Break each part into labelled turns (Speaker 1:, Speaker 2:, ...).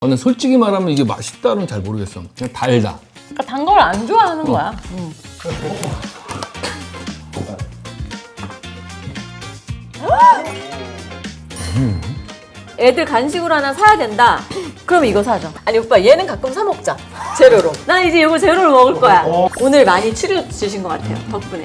Speaker 1: 근데 솔직히 말하면 이게 맛있다는 잘 모르겠어. 그냥 달다.
Speaker 2: 그러니까 단 걸 안 좋아하는 거야. 애들 간식으로 하나 사야 된다. 그럼 이거 사죠. 아니 오빠 얘는 가끔 사 먹자. 제로로. 난 이제 이거 제로로 먹을 거야. 오늘 많이 추려 주신 것 같아요. 덕분에.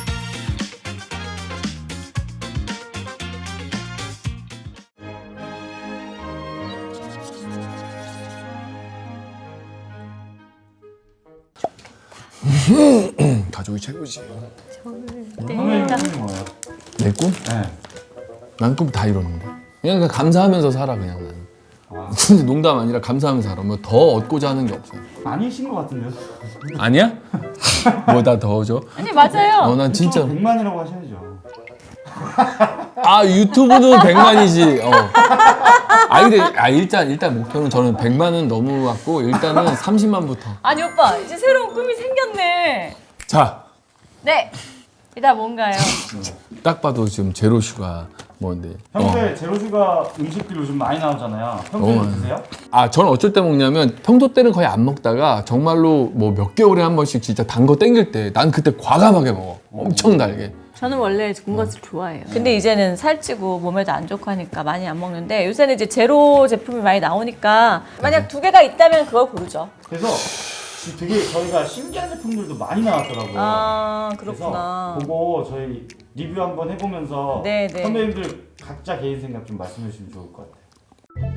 Speaker 1: 가족이 최고지.
Speaker 3: 선배님 꿈이 뭐예요?
Speaker 1: 내 꿈?
Speaker 3: 네.
Speaker 1: 난 꿈 다 이뤘는데. 그냥 감사하면서 살아 그냥 나는. 진짜 농담 아니라 감사하면서 살아. 뭐 더 얻고자 하는 게 없어요.
Speaker 3: 아니신 것 같은데요?
Speaker 1: 아니야? 뭐 다 더 줘?
Speaker 2: 아니 맞아요.
Speaker 1: 난 진짜.
Speaker 3: 100만이라고 하셔야죠.
Speaker 1: 아 유튜브는 100만이지. 근데 일단 목표는 저는 100만은 넘어갔고 일단은 30만부터.
Speaker 2: 아니 오빠 이제 새로운 꿈이 생겼네.
Speaker 1: 자,
Speaker 2: 네. 이따 뭔가요?
Speaker 1: 딱 봐도 지금 제로 슈가 뭔데?
Speaker 3: 평소에 제로슈가 음식들 요즘 많이 나오잖아요. 평소에
Speaker 1: 많이
Speaker 3: 드세요?
Speaker 1: 저는 어쩔 때 먹냐면 평소 때는 거의 안 먹다가 정말로 뭐 몇 개월에 한 번씩 진짜 단 거 땡길 때 난 그때 과감하게 먹어. 엄청 달게.
Speaker 2: 저는 원래 군것을 좋아해요. 근데 이제는 살찌고 몸에도 안 좋고 하니까 많이 안 먹는데 요새는 이제 제로 제품이 많이 나오니까 만약 두 개가 있다면 그걸 고르죠.
Speaker 3: 그래서 지금 되게 저희가 신기한 제품들도 많이 나왔더라고요.
Speaker 2: 아 그렇구나.
Speaker 3: 그래서 그거 저희 리뷰 한번 해보면서
Speaker 2: 네네.
Speaker 3: 선배님들 각자 개인 생각 좀 말씀해 주시면 좋을 것 같아요.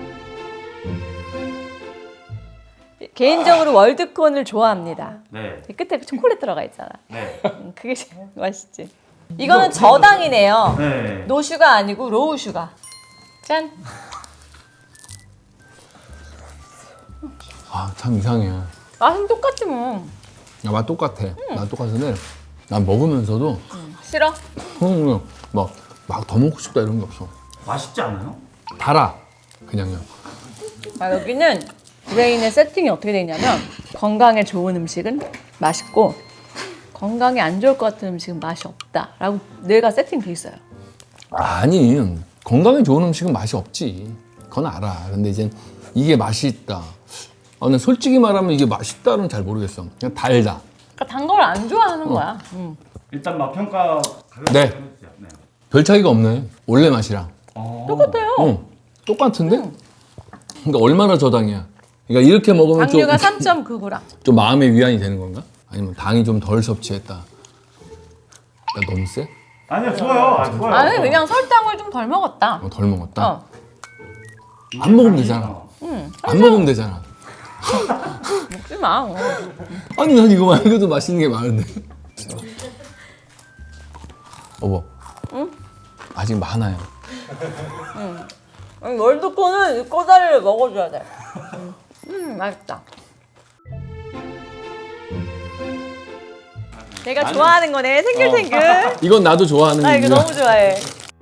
Speaker 2: 개인적으로 월드콘을 좋아합니다.
Speaker 3: 네.
Speaker 2: 끝에 초콜릿 들어가 있잖아.
Speaker 3: 네.
Speaker 2: 그게 제일 맛있지. 이거는 저당이네요.
Speaker 3: 네.
Speaker 2: 노슈가 아니고 로우슈가. 짠.
Speaker 1: 참 이상해.
Speaker 2: 맛은 똑같지 뭐.
Speaker 1: 야, 맛 똑같아. 맛 똑같은데 난 먹으면서도
Speaker 2: 싫어?
Speaker 1: 그냥 막 더 먹고 싶다 이런 게 없어.
Speaker 3: 맛있지 않아요?
Speaker 1: 달아. 그냥요.
Speaker 2: 여기는 브레인의 세팅이 어떻게 되어 있냐면 건강에 좋은 음식은 맛있고 건강에 안 좋을 것 같은 음식은 맛이 없다라고 뇌가 세팅돼 있어요.
Speaker 1: 아니 건강에 좋은 음식은 맛이 없지. 그건 알아. 근데 이제 이게 맛이 있다. 근데 솔직히 말하면 이게 맛있다는 잘 모르겠어. 그냥 달다.
Speaker 2: 그러니까 단 걸 안 좋아하는 거야.
Speaker 3: 일단 맛 평가 가볍게
Speaker 1: 네.
Speaker 3: 해주세요. 네.
Speaker 1: 별 차이가 없네. 원래 맛이랑.
Speaker 2: 똑같아요.
Speaker 1: 똑같은데? 그러니까 얼마나 저당이야? 그러니까 이렇게 먹으면
Speaker 2: 당류가 3.9g.
Speaker 1: 좀 마음의 위안이 되는 건가? 아니면 당이 좀 덜 섭취했다. 나 너무 세?
Speaker 3: 아니요, 좋아요. 좋아요.
Speaker 2: 아니 그냥 설탕을 좀 덜 먹었다.
Speaker 1: 덜 먹었다?
Speaker 2: 어.
Speaker 1: 안 먹으면 되잖아. 안 먹으면 되잖아.
Speaker 2: 먹지 마.
Speaker 1: 아니 난 이거 말고도 맛있는 게 많은데. 여보. 응? 아직 많아요.
Speaker 2: 아니, 월드콘은 이 꼬다리를 먹어줘야 돼. 맛있다. 내가 좋아하는 거네. 생글생글.
Speaker 1: 이건 나도 좋아하는
Speaker 2: 나 이거
Speaker 1: 거야.
Speaker 2: 너무 좋아해.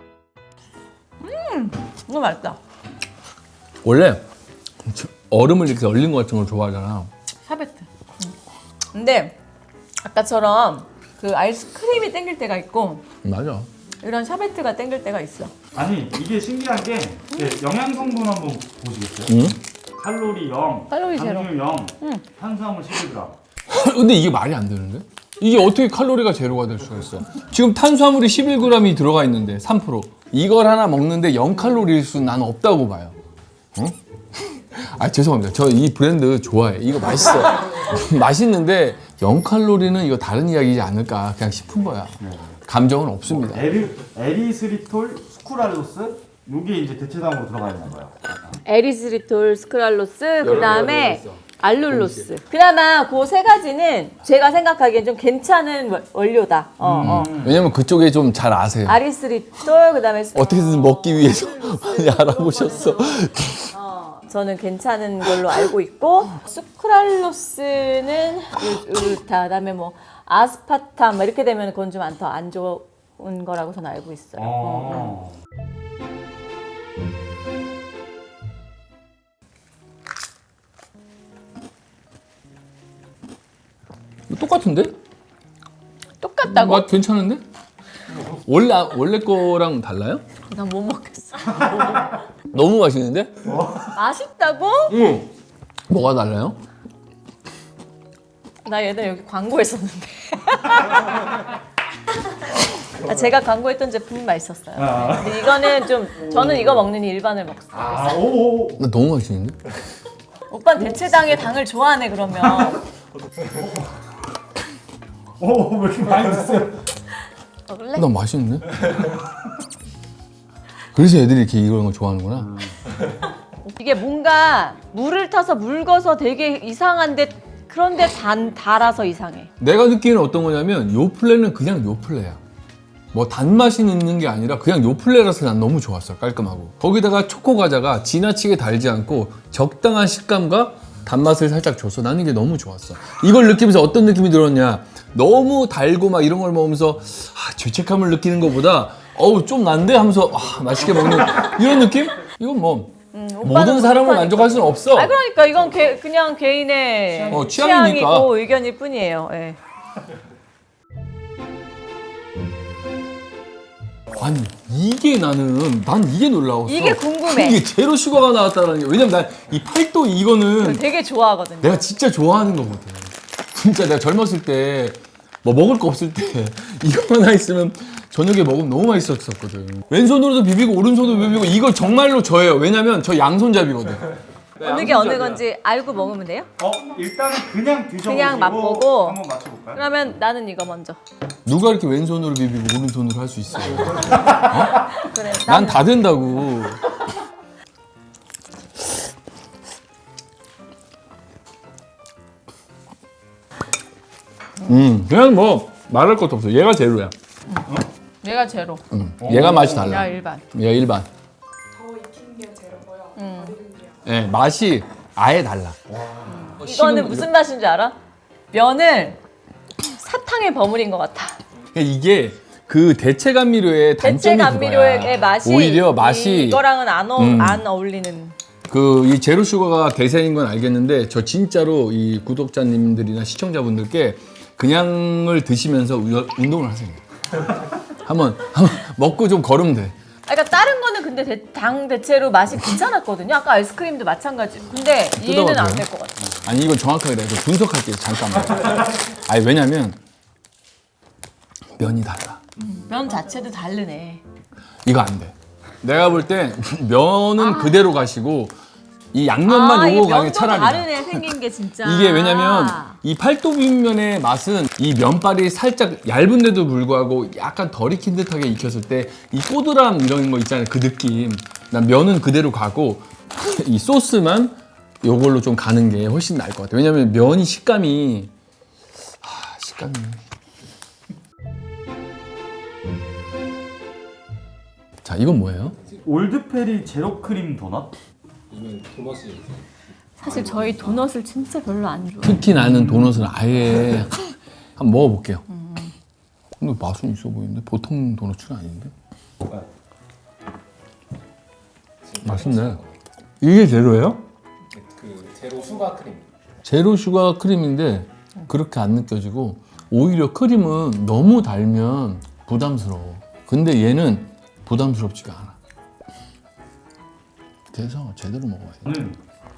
Speaker 2: 너무 맛있다.
Speaker 1: 원래 얼음을 이렇게 얼린 것 같은 걸 좋아하잖아.
Speaker 2: 샤베트. 근데 아까처럼 그 아이스크림이 땡길 때가 있고
Speaker 1: 맞아.
Speaker 2: 이런 샤베트가 땡길 때가 있어.
Speaker 3: 아니, 이게 신기한 게 네, 영양 성분 한번 보시겠어요?
Speaker 1: 응?
Speaker 3: 칼로리 0,
Speaker 2: 칼로리 제로.
Speaker 3: 당류 0, 탄수화물 11g.
Speaker 1: 근데 이게 말이 안 되는데? 이게 어떻게 칼로리가 제로가 될 수가 있어? 지금 탄수화물이 11g이 들어가 있는데 3%. 이걸 하나 먹는데 0칼로리일 수 나는 없다고 봐요. 어? 죄송합니다. 저 이 브랜드 좋아해. 이거 맛있어. 맛있는데 0칼로리는 이거 다른 이야기지 않을까 그냥 싶은 거야. 감정은 없습니다.
Speaker 3: 에리스리톨 스쿠랄로스 요게 이제 대체당으로 들어가 있는 거예요.
Speaker 2: 에리스리톨, 스크랄로스, 그 다음에
Speaker 1: 들어있어.
Speaker 2: 알룰로스. 그나마 그 세 가지는 제가 생각하기엔 좀 괜찮은 원료다.
Speaker 1: 왜냐면 그쪽에 좀 잘 아세요.
Speaker 2: 아리스리톨, 그 다음에
Speaker 1: 어떻게든 먹기 위해서 많이 알아보셨어.
Speaker 2: 저는 괜찮은 걸로 알고 있고 수크랄로스는 다 그다음에 뭐 아스파탐 뭐 이렇게 되면 그건 좀 더 안 좋은 거라고 저는 알고 있어요.
Speaker 1: 똑같은데?
Speaker 2: 똑같다고?
Speaker 1: 맛 괜찮은데? 원래 거랑 달라요?
Speaker 2: 난 못 먹겠어.
Speaker 1: 너무 맛있는데?
Speaker 2: 맛있다고?
Speaker 1: 응. 뭐가 달라요?
Speaker 2: 나 예전에 여기 광고했었는데. 제가 광고했던 제품이 맛있었어요. 근데 이거는 좀 저는 이거 먹느니 일반을 먹었어요.
Speaker 3: 아, 오.
Speaker 1: 나 너무 맛있는데?
Speaker 2: 오빠는 대체당의 당을 좋아하네 그러면.
Speaker 3: 오, 왜 이렇게 많이 드세요?
Speaker 2: 먹을래?
Speaker 1: 나 맛있는데? 그래서 애들이 이렇게 이런 거 좋아하는구나.
Speaker 2: 이게 뭔가 물을 타서 묽어서 되게 이상한데 그런데 달아서 이상해.
Speaker 1: 내가 느끼는 어떤 거냐면 요플레는 그냥 요플레야. 뭐 단맛이 있는 게 아니라 그냥 요플레라서 난 너무 좋았어. 깔끔하고. 거기다가 초코 과자가 지나치게 달지 않고 적당한 식감과 단맛을 살짝 줘서 나는 이게 너무 좋았어. 이걸 느끼면서 어떤 느낌이 들었냐. 너무 달고 막 이런 걸 먹으면서 죄책감을 느끼는 것보다 어우 좀 난데 하면서 맛있게 먹는 이런 느낌? 이건 뭐 모든 사람을 만족할 수는 없어.
Speaker 2: 아 그러니까 이건 그냥 개인의
Speaker 1: 취향이니까.
Speaker 2: 취향이고 의견일 뿐이에요. 예.
Speaker 1: 아니 이게 난 이게 놀라웠어.
Speaker 2: 이게 궁금해.
Speaker 1: 이게 제로 슈가가 나왔다는 게. 왜냐면 난 이 팔도 이거는
Speaker 2: 되게 좋아하거든요.
Speaker 1: 내가 진짜 좋아하는 거거든. 진짜 내가 젊었을 때 뭐 먹을 거 없을 때 이거 하나 있으면 저녁에 먹으면 너무 맛있었거든. 왼손으로도 비비고 오른손으로 비비고 이거 정말로 저예요. 왜냐면 저 양손잡이거든.
Speaker 2: 어느 게 어느 건지 알고 먹으면 돼요?
Speaker 3: 일단은 그냥 드셔보시고
Speaker 2: 그냥 맛보고.
Speaker 3: 한번 맞춰볼까요?
Speaker 2: 그러면 나는 이거 먼저.
Speaker 1: 누가 이렇게 왼손으로 비비고 오른손으로 할 수 있어요?
Speaker 2: 그래.
Speaker 1: 난 다 된다고. 그냥 뭐 말할 것도 없어. 얘가 제로야.
Speaker 2: 얘가 제로.
Speaker 1: 얘가 맛이 달라.
Speaker 2: 야 일반.
Speaker 1: 얘가 일반.
Speaker 4: 더 익힌 게 제로고요. 덜 익은 게요.
Speaker 1: 네, 맛이 아예 달라.
Speaker 2: 이거는 무슨 맛인 줄 알아? 면을 사탕에 버무린 것 같아.
Speaker 1: 이게 그 대체 감미료의 단점이
Speaker 2: 대체 감미료의
Speaker 1: 그거야.
Speaker 2: 맛이
Speaker 1: 오히려 맛이
Speaker 2: 이거랑은 안 어울리는.
Speaker 1: 그 이 제로 슈가가 대세인 건 알겠는데 저 진짜로 이 구독자님들이나 시청자분들께 그냥을 드시면서 운동을 하세요. 한번 먹고 좀 걸으면 돼.
Speaker 2: 그러니까 다른 거는 근데 당 대체로 맛이 괜찮았거든요. 아까 아이스크림도 마찬가지. 근데 얘는 안 될 것 같아.
Speaker 1: 아니 이건 정확하게 내가 분석할게요. 잠깐만. 아니 왜냐면 면이 달라.
Speaker 2: 면 자체도 다르네.
Speaker 1: 이거 안 돼. 내가 볼 때 면은 그대로 가시고 이 양면만 요거 가는 게 차라리 나아.
Speaker 2: 다르네 생긴 게 진짜.
Speaker 1: 이게 왜냐면 이 팔도 비빔면의 맛은 이 면발이 살짝 얇은데도 불구하고 약간 덜 익힌 듯하게 익혔을 때 이 꼬들함 이런 거 있잖아요. 그 느낌. 난 면은 그대로 가고 이 소스만 요걸로 좀 가는 게 훨씬 나을 것 같아요. 왜냐면 면이 식감이 식감이 자 이건 뭐예요?
Speaker 3: 올드페리 제로 크림 도넛?
Speaker 2: 사실 저희 도넛을 진짜 별로 안 좋아해요.
Speaker 1: 특히 나는 도넛은 아예 한번 먹어볼게요. 근데 맛은 있어 보이는데 보통 도넛은 아닌데. 맛있네. 이게 제로예요?
Speaker 5: 그 제로 슈가 크림.
Speaker 1: 제로 슈가 크림인데 그렇게 안 느껴지고 오히려 크림은 너무 달면 부담스러워. 근데 얘는 부담스럽지가 않아. 그래서 제대로 먹어야 돼.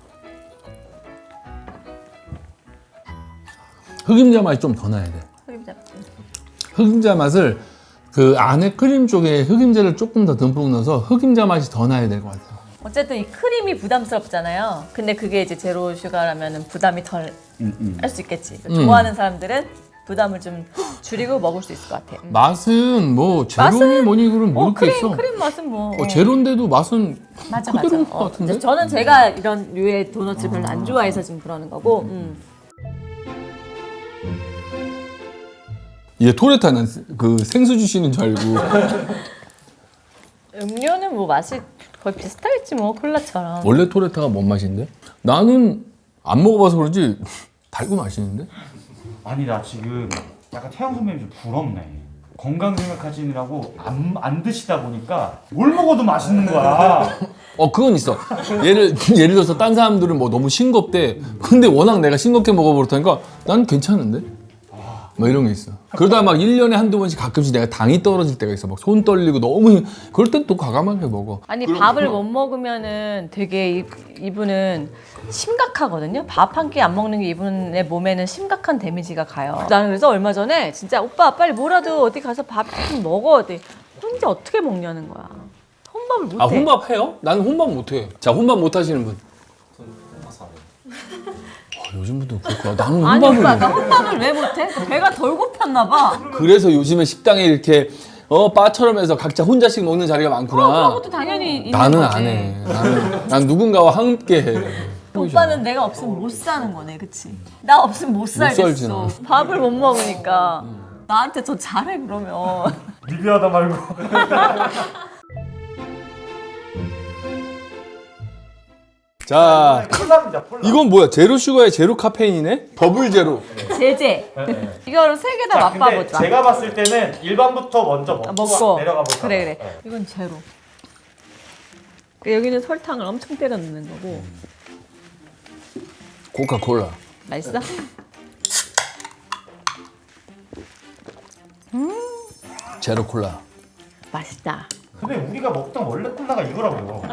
Speaker 1: 흑임자 맛이 좀 더 나야 돼. 흑임자 맛을 그 안에 크림 쪽에 흑임자를 조금 더 듬뿍 넣어서 흑임자 맛이 더 나야 될 것 같아요.
Speaker 2: 어쨌든 이 크림이 부담스럽잖아요. 근데 그게 이제 제로 슈가라면 부담이 덜 할 수 있겠지. 좋아하는 사람들은 부담을 좀 줄이고 먹을 수 있을 것 같아.
Speaker 1: 맛은 뭐 제로니 뭐니 그런 모르겠어.
Speaker 2: 크림 맛은 뭐.
Speaker 1: 제로인데도 맛은
Speaker 2: 맞아.
Speaker 1: 그대로인 것 같은데?
Speaker 2: 저는 제가 이런 류의 도넛을 별로 안 좋아해서 지금 그러는 거고.
Speaker 1: 얘 토레타는 그 생수 주시는 줄 알고.
Speaker 2: 음료는 뭐 맛이 거의 비슷하겠지 뭐 콜라처럼.
Speaker 1: 원래 토레타가 뭔 맛인데? 나는 안 먹어봐서 그런지 달고 맛있는데?
Speaker 3: 아니 나 지금 약간 태영 선배님 좀 부럽네. 건강 생각하시느라고 안 드시다 보니까 뭘 먹어도 맛있는 거야.
Speaker 1: 그건 있어. 예를 들어서 딴 사람들은 뭐 너무 싱겁대. 근데 워낙 내가 싱겁게 먹어버렸다니까 난 괜찮은데? 뭐 이런 게 있어. 그러다 막 1년에 한두 번씩 가끔씩 내가 당이 떨어질 때가 있어. 막 손 떨리고 너무 그럴 땐 또 과감하게 먹어.
Speaker 2: 아니 밥을 못 먹으면은 되게 이분은 심각하거든요. 밥 한 끼 안 먹는 게 이분의 몸에는 심각한 데미지가 가요. 나는 그래서 얼마 전에 진짜 오빠 빨리 뭐라도 어디 가서 밥 좀 먹어. 어디 혼자 어떻게 먹냐는 거야. 혼밥을 못해.
Speaker 1: 아 혼밥 해요? 나는 혼밥 못해. 자 혼밥 못 하시는 분. 요즘 분들 그렇구나. 나는
Speaker 2: 아니
Speaker 1: 혼밥을
Speaker 2: 오빠 나 혼밥을 왜 못해? 배가 덜 고팠나 봐.
Speaker 1: 그래서 요즘에 식당에 이렇게 바처럼 해서 각자 혼자씩 먹는 자리가 많구나.
Speaker 2: 그런 것도 당연히 있는
Speaker 1: 나는
Speaker 2: 거지.
Speaker 1: 안 해. 난 누군가와 함께 해.
Speaker 2: 오빠는 내가 없으면 못 사는 거네, 그치? 나 없으면 못 살겠어.
Speaker 1: 살지, 나.
Speaker 2: 밥을 못 먹으니까 나한테 더 잘해 그러면.
Speaker 3: 리뷰하다 말고.
Speaker 1: 자,
Speaker 3: 콜라입니다. 콜라.
Speaker 1: 이건 뭐야? 제로 슈가에 제로 카페인이네? 더블 제로.
Speaker 2: 제제. 이거를 세 개 다
Speaker 3: 자, 근데
Speaker 2: 맛봐보자.
Speaker 3: 제가 봤을 때는 일반부터 먼저 먹고 내려가 보자.
Speaker 2: 그래. 이건 제로. 여기는 설탕을 엄청 때려 넣는 거고.
Speaker 1: 코카콜라.
Speaker 2: 맛있어?
Speaker 1: 제로 콜라.
Speaker 2: 맛있다.
Speaker 3: 근데 우리가 먹던 원래 콜라가 이거라고요.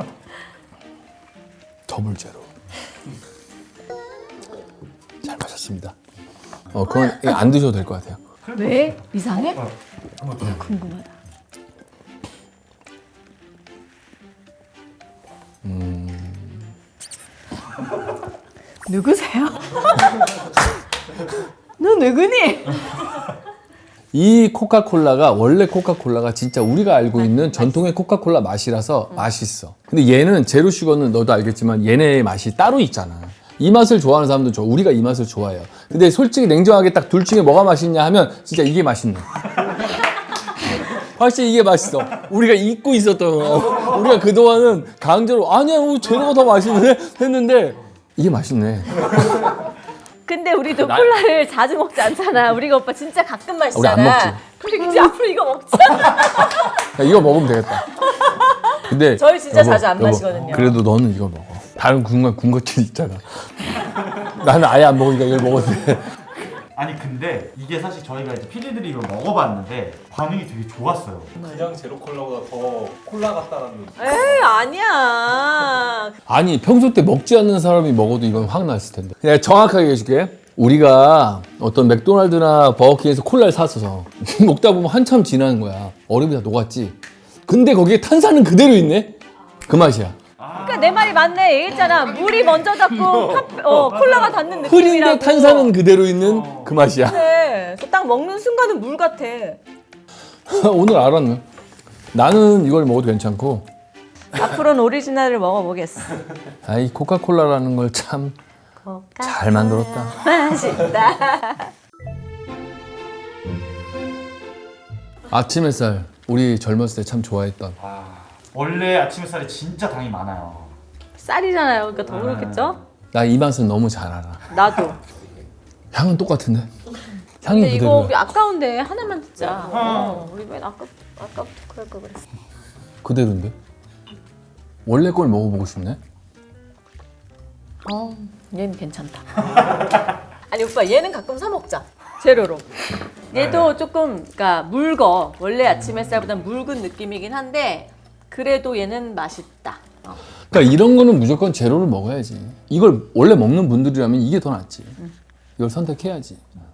Speaker 1: 더블 제로. 잘 마셨습니다. 그건 이거 안 드셔도 될 것 같아요.
Speaker 2: 왜? 이상해?
Speaker 3: 한번 더.
Speaker 2: 궁금하다. 누구세요? 너 누구니?
Speaker 1: 이 코카콜라가 원래 코카콜라가 진짜 우리가 알고 있는 전통의 코카콜라 맛이라서 맛있어. 근데 얘는 제로 슈거는 너도 알겠지만 얘네의 맛이 따로 있잖아. 이 맛을 좋아하는 사람도 좋아. 우리가 이 맛을 좋아해요. 근데 솔직히 냉정하게 딱 둘 중에 뭐가 맛있냐 하면 진짜 이게 맛있네. 확실히 이게 맛있어. 우리가 잊고 있었던 거. 우리가 그동안은 강제로 아니야 제로가 더 맛있네 했는데 이게 맛있네.
Speaker 2: 근데 우리도 콜라를 자주 먹지 않잖아. 우리가 오빠 진짜 가끔 마시잖아.
Speaker 1: 우리 안 먹지.
Speaker 2: 우리 이제 앞으로 이거 먹자.
Speaker 1: 야, 이거 먹으면 되겠다. 근데
Speaker 2: 저희 진짜 자주 안 마시거든요.
Speaker 1: 그래도 너는 이거 먹어. 다른 군것질 있잖아. 나는 아예 안 먹으니까 이걸 먹어도 돼.
Speaker 3: 아니 근데 이게 사실 저희가 이제 피디들이 이걸 먹어봤는데 반응이 되게 좋았어요.
Speaker 5: 그냥 제로 콜라보다 더 콜라 같다는
Speaker 2: 에이 아니야.
Speaker 1: 아니 평소 때 먹지 않는 사람이 먹어도 이건 확 났을 텐데. 내가 정확하게 해줄게. 우리가 어떤 맥도날드나 버거킹에서 콜라를 샀어서 먹다 보면 한참 지나는 거야. 얼음이 다 녹았지. 근데 거기에 탄산은 그대로 있네. 그 맛이야.
Speaker 2: 그러니까 내 말이 맞네. 얘기했잖아. 물이 먼저 닿고 콜라가 닿는 느낌이라고.
Speaker 1: 흐린데 탄산은 그대로 있는 그 맛이야.
Speaker 2: 그래. 딱 먹는 순간은 물 같아.
Speaker 1: 오늘 알았네. 나는 이걸 먹어도 괜찮고.
Speaker 2: 앞으로는 오리지널을 먹어보겠어.
Speaker 1: 아이 코카콜라라는 걸 참 잘 만들었다.
Speaker 2: 맛있다.
Speaker 1: 아침 햇살 우리 젊었을 때 참 좋아했던.
Speaker 3: 원래 아침 햇살에 진짜 당이 많아요.
Speaker 2: 쌀이잖아요. 그러니까 더 그렇겠죠?
Speaker 1: 나 이 맛은 너무 잘 알아.
Speaker 2: 나도.
Speaker 1: 향은 똑같은데? 향이
Speaker 2: 근데 이거
Speaker 1: 그대로야.
Speaker 2: 우리 아까운데 하나만 듣자. 우리 맨 아까부터 그럴 걸 그랬어.
Speaker 1: 그대로인데? 원래 걸 먹어보고 싶네?
Speaker 2: 얘는 괜찮다. 아니 오빠 얘는 가끔 사 먹자. 제로로. 얘도 조금 그러니까 묽어. 원래 아침 햇살보단 묽은 느낌이긴 한데 그래도 얘는 맛있다.
Speaker 1: 그러니까 이런 거는 무조건 제로를 먹어야지. 이걸 원래 먹는 분들이라면 이게 더 낫지. 이걸 선택해야지.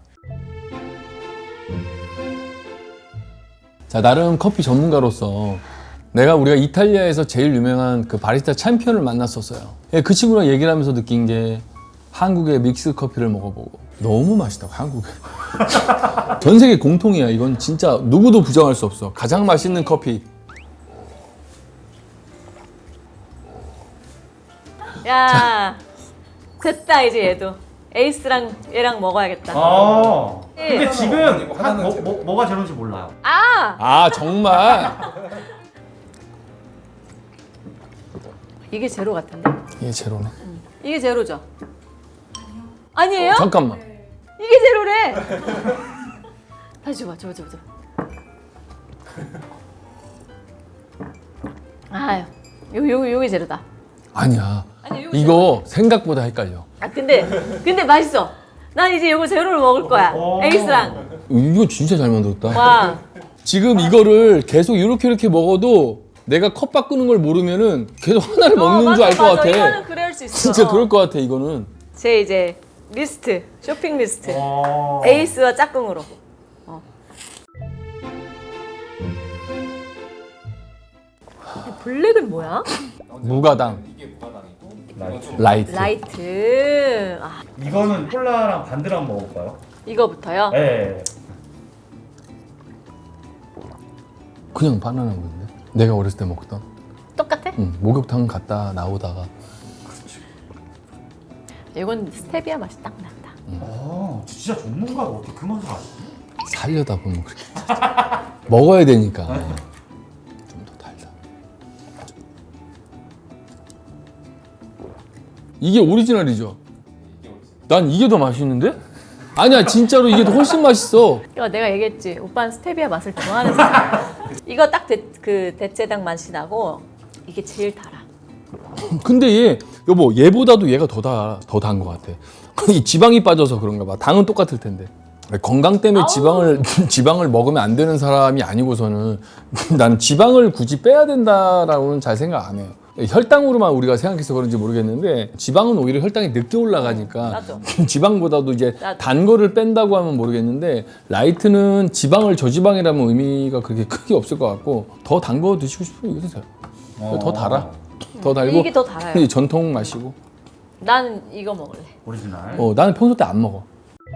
Speaker 1: 자, 나름 커피 전문가로서 우리가 이탈리아에서 제일 유명한 그 바리스타 챔피언을 만났었어요. 그 친구랑 얘기를 하면서 느낀 게 한국의 믹스 커피를 먹어보고 너무 맛있다고 한국에. 전 세계 공통이야. 이건 진짜 누구도 부정할 수 없어. 가장 맛있는 커피.
Speaker 2: 야 됐다 이제 얘도 에이스랑 얘랑 먹어야겠다.
Speaker 3: 근데 지금
Speaker 5: 하나는 제로.
Speaker 3: 뭐가 제로인지 몰라요.
Speaker 1: 아 정말?
Speaker 2: 이게 제로 같은데?
Speaker 1: 이게 제로네.
Speaker 2: 이게 제로죠? 아니에요?
Speaker 1: 잠깐만.
Speaker 2: 이게 제로래. 다시 줘봐, 줘봐. 아유, 요게 제로다.
Speaker 1: 아니야.
Speaker 2: 아니, 이거
Speaker 1: 이거 생각보다 헷갈려.
Speaker 2: 근데 맛있어. 난 이제 이거 제로를 먹을 거야.
Speaker 3: 오.
Speaker 2: 에이스랑.
Speaker 1: 이거 진짜 잘 만들었다.
Speaker 2: 와.
Speaker 1: 지금 이거를 계속 이렇게 먹어도 내가 컵 바꾸는 걸 모르면은 계속 하나를 먹는 줄 알 것 같아.
Speaker 2: 이거는 그래 할 수 있어.
Speaker 1: 진짜 그럴 것 같아 이거는.
Speaker 2: 제 이제 리스트, 쇼핑 리스트.
Speaker 3: 어.
Speaker 2: 에이스와 짝꿍으로. 블랙은 뭐야?
Speaker 1: 무가당
Speaker 5: 이게 무가당이고
Speaker 1: 라이트.
Speaker 2: 라이트. 아,
Speaker 3: 이거는 콜라랑 반대로 한번 먹어볼까요?
Speaker 2: 이거부터요?
Speaker 3: 네.
Speaker 1: 그냥 바나나 건데. 내가 어렸을 때 먹던.
Speaker 2: 똑같아?
Speaker 1: 목욕탕 갔다 나오다가
Speaker 2: 이건 스테비아 맛이 딱 난다.
Speaker 3: 진짜 전문가가 어떻게 그 맛을 아시지?
Speaker 1: 살려다 보면 그렇게 먹어야 되니까 좀 더 달다. 이게 오리지널이죠? 난 이게 더 맛있는데? 아니야 진짜로 이게 더 훨씬 맛있어.
Speaker 2: 이거 내가 얘기했지. 오빠는 스테비아 맛을 좋아하는 사람. 이거 딱 그 대체당 맛이 나고 이게 제일 달아.
Speaker 1: 근데 얘 여보 얘보다도 얘가 더 단 것 같아. 이 지방이 빠져서 그런가 봐. 당은 똑같을 텐데. 건강 때문에 지방을 먹으면 안 되는 사람이 아니고서는 나는 지방을 굳이 빼야 된다라고는 잘 생각 안 해요. 혈당으로만 우리가 생각해서 그런지 모르겠는데 지방은 오히려 혈당이 늦게 올라가니까
Speaker 2: 나도.
Speaker 1: 지방보다도 이제
Speaker 2: 나도.
Speaker 1: 단 거를 뺀다고 하면 모르겠는데 라이트는 지방을 저지방이라면 의미가 그렇게 크게 없을 것 같고 더 단 거 드시고 싶으면 이거 드세요. 더 달아. 더 달고
Speaker 2: 이게 더 달아요.
Speaker 1: 이게 전통 맛이고.
Speaker 2: 나는 이거 먹을래.
Speaker 3: 오리지널.
Speaker 1: 나는 평소 때 안 먹어.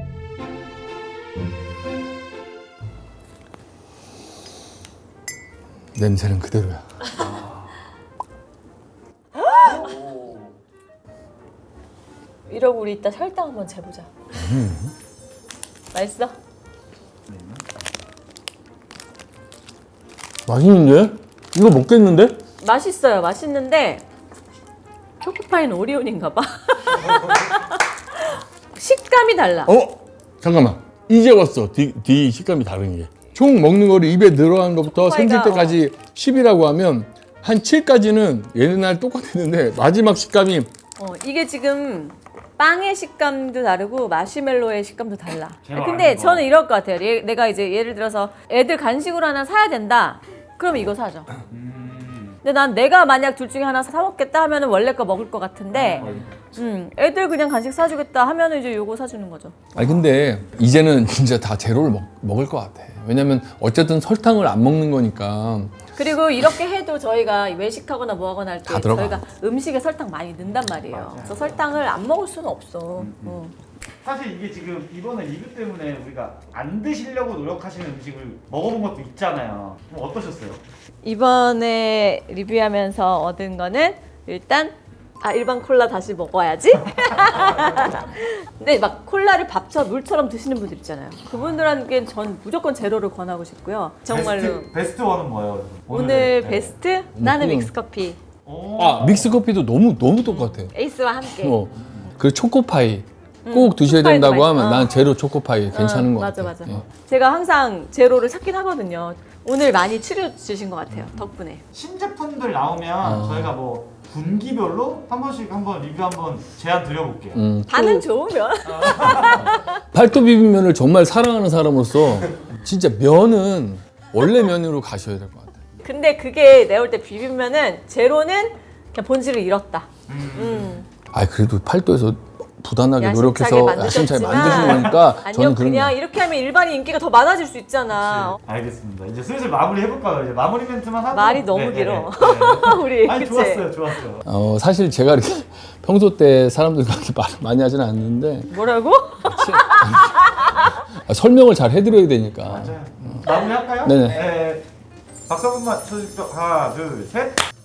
Speaker 1: 냄새는 그대로야.
Speaker 2: 이러고 우리 이따 혈당 한번 재보자. 맛있어?
Speaker 1: 맛있는데? 이거 먹겠는데?
Speaker 2: 맛있어요. 맛있는데 초코파이는 오리온인가 봐. 식감이 달라.
Speaker 1: 잠깐만. 이제 왔어. 뒤 식감이 다른 게. 총 먹는 거를 입에 들어간 것부터
Speaker 2: 초코파이가,
Speaker 1: 생길 때까지 10이라고 하면 한 7까지는 얘네날 똑같았는데 마지막 식감이
Speaker 2: 이게 지금 빵의 식감도 다르고 마시멜로의 식감도 달라.
Speaker 3: 제가
Speaker 2: 근데
Speaker 3: 아는 거.
Speaker 2: 저는 이럴 것 같아요. 내가 이제 예를 들어서 애들 간식으로 하나 사야 된다. 그럼 이거 사죠. 근데 난 내가 만약 둘 중에 하나 사 먹겠다 하면은 원래 거 먹을 것 같은데, 애들 그냥 간식 사주겠다 하면은 이제 요거 사주는 거죠.
Speaker 1: 아니 근데 이제는 진짜 다 제로를 먹을 것 같아. 왜냐면 어쨌든 설탕을 안 먹는 거니까.
Speaker 2: 그리고 이렇게 해도 저희가 외식하거나 뭐 하거나 할 때
Speaker 1: 다 들어가.
Speaker 2: 저희가 음식에 설탕 많이 넣는단 말이에요. 그래서 설탕을 안 먹을 수는 없어.
Speaker 3: 사실 이게 지금 이번에 리뷰 때문에 우리가 안 드시려고 노력하시는 음식을 먹어본 것도 있잖아요. 좀 어떠셨어요?
Speaker 2: 이번에 리뷰하면서 얻은 거는 일단 일반 콜라 다시 먹어야지. 근데 막 콜라를 밥처럼 물처럼 드시는 분들 있잖아요. 그분들한테는 전 무조건 제로를 권하고 싶고요. 정말로.
Speaker 3: 베스트 원은 뭐예요?
Speaker 2: 오늘
Speaker 3: 네.
Speaker 2: 베스트? 나는
Speaker 1: 그냥-
Speaker 2: 믹스커피.
Speaker 1: 믹스 커피도 너무 똑같아.
Speaker 2: 에이스와 함께.
Speaker 1: 그 초코파이 꼭 드셔야
Speaker 2: 초코파이도
Speaker 1: 된다고
Speaker 2: 맛있어.
Speaker 1: 하면 난 제로 초코파이 괜찮은 것
Speaker 2: 맞아,
Speaker 1: 같아.
Speaker 2: 맞아.
Speaker 1: 예.
Speaker 2: 제가 항상 제로를 찾긴 하거든요. 오늘 많이 추려주신 것 같아요. 덕분에.
Speaker 3: 신제품들 나오면 저희가 뭐 분기별로 한 번씩 한번 리뷰 한번 제안 드려볼게요.
Speaker 2: 반응 좋으면.
Speaker 1: 팔도 비빔면을 정말 사랑하는 사람으로서 진짜 면은 원래 면으로 가셔야 될 것 같아.
Speaker 2: 근데 그게 내가 볼 때 비빔면은 제로는 그냥 본질을 잃었다.
Speaker 1: 그래도 팔도에서 부단하게
Speaker 2: 야심차게
Speaker 1: 노력해서 야심차게 만드신 거니까
Speaker 2: 아니요,
Speaker 1: 저는 그런
Speaker 2: 그냥
Speaker 1: 거.
Speaker 2: 이렇게 하면 일반인 인기가 더 많아질 수 있잖아.
Speaker 3: 알겠습니다. 이제 슬슬 마무리 해볼까요? 이제 마무리 멘트만 하고.
Speaker 2: 말이 너무
Speaker 3: 네,
Speaker 2: 길어.
Speaker 3: 네, 네.
Speaker 2: 우리
Speaker 3: 아니
Speaker 2: 그치?
Speaker 3: 좋았어요.
Speaker 1: 사실 제가 이렇게 평소 때 사람들과 그렇게 말을 많이 하지는 않는데
Speaker 2: 뭐라고?
Speaker 1: 설명을 잘 해드려야 되니까.
Speaker 3: 맞아요. 마무리 할까요?
Speaker 1: 네네.
Speaker 3: 네. 박수 한번만 쳐주십시오. 하나, 둘, 셋.